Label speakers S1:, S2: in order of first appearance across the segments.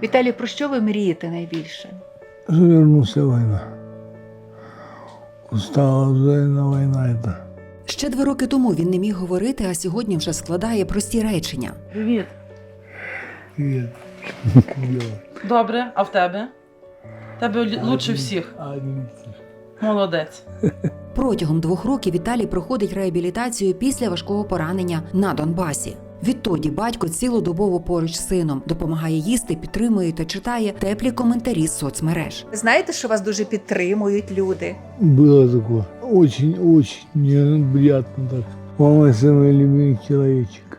S1: Віталій, про що ви мрієте найбільше?
S2: Вернулся война. Устала война это.
S3: Ще 2 роки тому він не міг говорити, а сьогодні вже складає прості речення.
S4: Привіт.
S2: Привет.
S4: Добре, а в тебе? Тебе лучше всіх. Молодець.
S3: Протягом 2 років Віталій проходить реабілітацію після важкого поранення на Донбасі. Відтоді батько цілодобово поруч з сином, допомагає їсти, підтримує та читає теплі коментарі з соцмереж.
S1: Ви знаєте, що вас дуже підтримують люди?
S2: Было такое. Очень неприятно так. Мама самый любимый человечек.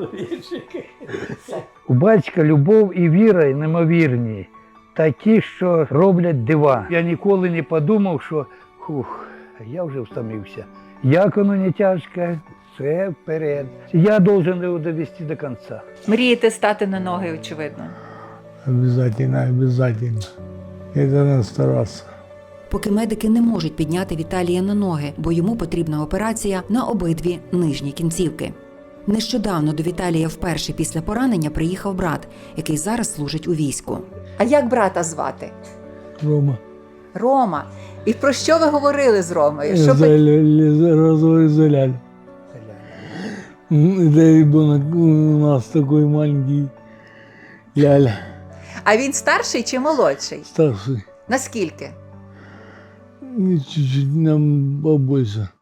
S5: У батька любов і віра неймовірні, такі, що роблять дива. Я ніколи не подумав, що я вже втомився. Як воно не тяжке, все вперед. Я должен його довести до кінця.
S1: Мрієте стати на ноги, очевидно.
S2: Обязательно. Это надо стараться.
S3: Поки медики не можуть підняти Віталія на ноги, бо йому потрібна операція на обидві нижні кінцівки. Нещодавно до Віталія вперше після поранення приїхав брат, який зараз служить у війську.
S1: А як брата звати?
S2: Рома.
S1: Рома. І про що ви говорили з Ромою?
S2: Розовый заляль. Это ребенок у нас такой маленький. Ляля.
S1: А він старший чи молодший?
S2: Старший.
S1: Наскільки?
S2: Чуть-чуть нам побольше.